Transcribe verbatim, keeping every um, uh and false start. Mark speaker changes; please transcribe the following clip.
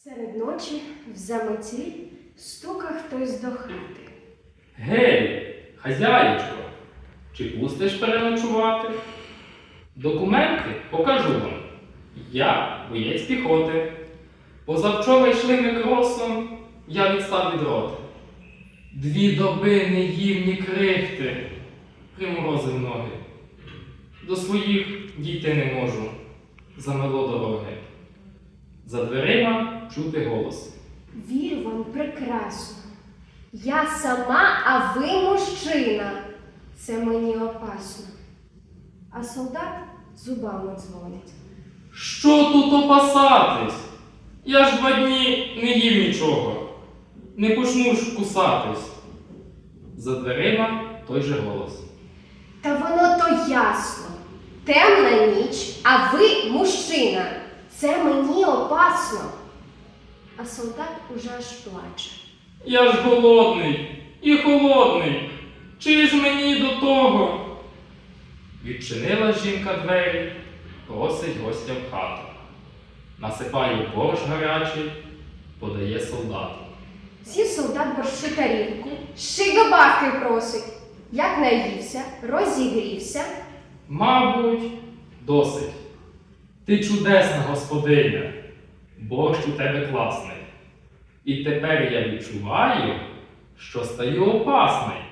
Speaker 1: Серед ночі в заметі стука хтось до хати.
Speaker 2: Гей, хазяїчко, чи пустиш переночувати? Документи покажу вам. Я боєць піхоти. Позавчора йшли ми кросом, я відстав від роти. Дві доби не їв ні крихти, приморозив ноги. До своїх дійти не можу, замело дороги. За дверима чути голос.
Speaker 1: Вірю вам прекрасно. Я сама, а ви мужчина. Це мені опасно. А солдат зубами дзвонить.
Speaker 2: Що тут опасатись? Я ж два дні не їв нічого. Не почну ж кусатись. За дверима той же голос.
Speaker 1: Та воно то ясно. Темна ніч, а ви мужчина. Це мені опасно. А солдат уже аж плаче.
Speaker 2: Я ж голодний і холодний. Чи ж мені до того? Відчинила жінка двері, просить гостя в хату. Насипає борщ гарячий, подає солдату.
Speaker 1: Сів солдат борщу тарілку, ще й добавки просить. Як наївся, розігрівся.
Speaker 2: Мабуть, досить. Ти чудесна господиня, борщ у тебе класний. І тепер я відчуваю, що стаю опасний.